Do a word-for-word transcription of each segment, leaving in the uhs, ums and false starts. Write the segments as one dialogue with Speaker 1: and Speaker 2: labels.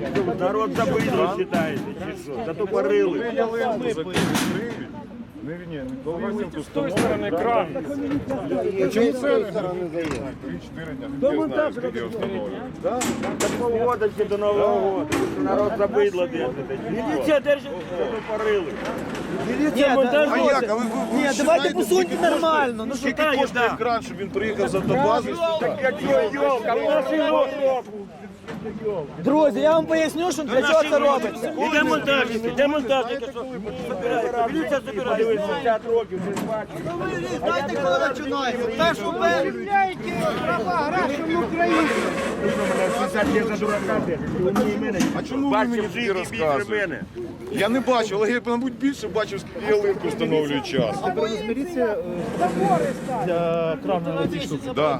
Speaker 1: Народ забидло вважаєте, чи що? Затопорили.
Speaker 2: Не, не, не, Колгасенко
Speaker 3: С той стороны кран.
Speaker 2: Чому це не три-чотири дня? Хто знає, скільки встановлює?
Speaker 1: До полгода ще до Нового року. Народ забидло держите. Міліція держить, затопорили.
Speaker 4: Міліція
Speaker 2: А як? А ви, ви, ви
Speaker 4: Ні, давайте посуньте нормально. Ну що
Speaker 2: Скільки
Speaker 4: так,
Speaker 2: коштує кран, щоб він приїхав з автобази?
Speaker 1: Як йолка, в нашій року.
Speaker 4: друзі, я вам поясню, що для чого це робиться.
Speaker 1: І демонтажники, демонтажники, що забирають. Міліція забирає. Дивіться, п'ятдесят років, вже ж бачимо.
Speaker 4: Знаєте, коли починається? Так, що ви...
Speaker 1: шістдесят є за дурака,
Speaker 2: А чому ви мені тоді розказуєте? Я не бачив, але я, мабуть, більше бачив, скільки ялинку встановлюють час.
Speaker 5: Міліція для крана ці штуки.
Speaker 2: Да.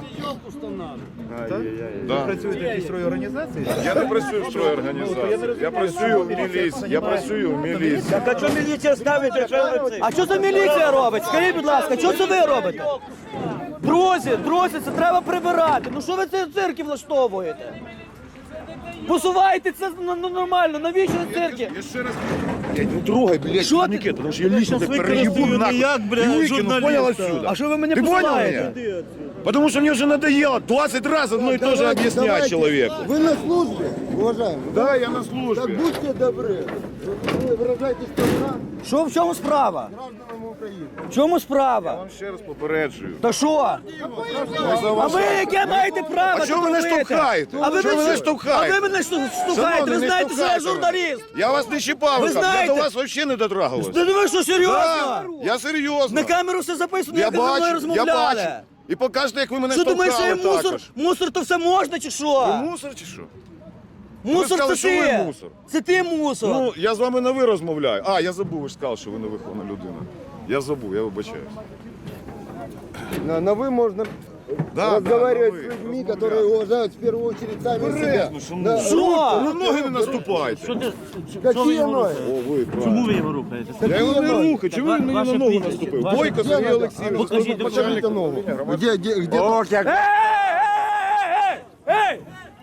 Speaker 2: Да.
Speaker 5: Працюєте в якійсь строї організації?
Speaker 2: Я не працюю в стройорганізації. Я працюю в міліції. Я працюю в міліції.
Speaker 1: Так а чого міліція ставить, якщо ви це?
Speaker 4: А що це міліція робить? Скажіть, будь ласка, що це ви робите? Друзі, друзі, це треба прибирати. Ну що ви ці цирки влаштовуєте? Посувайте це ну, ну, нормально, навіщо ви цирки?
Speaker 2: Я ще раз... Блядь, не трогай, блядь,
Speaker 4: Що ти?
Speaker 2: турнікет, тому що я лично тебе переїбу нахуй. І викину, понял отсюда?
Speaker 4: А що ви мене
Speaker 2: Ты понял
Speaker 4: посилаєте?
Speaker 2: меня? Потому что мне уже надоело двадцать раз одно и то же объяснять человеку.
Speaker 6: Вы на службе, уважаемый?
Speaker 2: Да, я на
Speaker 6: Так
Speaker 2: службе.
Speaker 6: будьте добры. Вы выражаетесь добра
Speaker 4: Що в чому справа?
Speaker 6: гражданам Украины.
Speaker 4: В чому
Speaker 2: Я
Speaker 4: справа?
Speaker 2: вам ще раз попереджую.
Speaker 4: Та що? А ви яке маєте право?
Speaker 2: А чого ви
Speaker 4: тут
Speaker 2: мене
Speaker 4: робити?
Speaker 2: штовхаєте?
Speaker 4: А ви
Speaker 2: Чого ви
Speaker 4: мене
Speaker 2: мене штовхаєте?
Speaker 4: А ви мене шту- штовхаєте?
Speaker 2: Шановний,
Speaker 4: Ви
Speaker 2: не
Speaker 4: знаєте, що я
Speaker 2: штовхайте мене.
Speaker 4: журналіст?
Speaker 2: Я вас не чіпав,
Speaker 4: Ви
Speaker 2: я
Speaker 4: знаєте-
Speaker 2: до вас взагалі не дотрагувався.
Speaker 4: Ти думаєш, що серйозно?
Speaker 2: Да, я серйозно.
Speaker 4: На камеру все записано,
Speaker 2: Я
Speaker 4: як ви зі мною
Speaker 2: бачу, я
Speaker 4: розмовляли.
Speaker 2: бачу. І покажете, як ви мене
Speaker 4: Що думаєш, що
Speaker 2: штовхали
Speaker 4: я мусор?
Speaker 2: також.
Speaker 4: Мусор то все можна чи
Speaker 2: Ви
Speaker 4: що?
Speaker 2: мусор чи що?
Speaker 4: Мусор
Speaker 2: сказали,
Speaker 4: це
Speaker 2: що ви
Speaker 4: ти.
Speaker 2: мусор.
Speaker 4: Це ти мусор.
Speaker 2: Ну, я з вами на ви розмовляю. А, я забув, ви ж сказали, що ви не вихована людина. Я забув, я вибачаюсь.
Speaker 6: На, на вы можно
Speaker 2: Да,
Speaker 6: разговаривать
Speaker 2: да, на
Speaker 6: с
Speaker 2: вы,
Speaker 6: людьми,
Speaker 2: размовлять.
Speaker 6: которые уважают в первую очередь сами себя.
Speaker 2: Ну, що
Speaker 6: Да.
Speaker 2: ну,
Speaker 4: Що?
Speaker 2: на ноги не наступайте.
Speaker 6: Какие ноги?
Speaker 2: О, ви, правильно.
Speaker 5: Чому ви його рухаєте?
Speaker 2: Я його не
Speaker 6: ноги?
Speaker 2: рухаю, чому він мені на
Speaker 5: Ваше
Speaker 2: ногу
Speaker 5: прізвище,
Speaker 2: наступив?
Speaker 5: ваше-
Speaker 2: Бойко
Speaker 6: Где
Speaker 2: Сергій
Speaker 6: надо?
Speaker 2: Олексійович,
Speaker 5: Покажіть
Speaker 2: начальник
Speaker 6: Покажите ногу.
Speaker 2: управління громадського.
Speaker 6: Где, где, где?
Speaker 1: Ох, як
Speaker 4: Ей, ей, ей, ей, ей!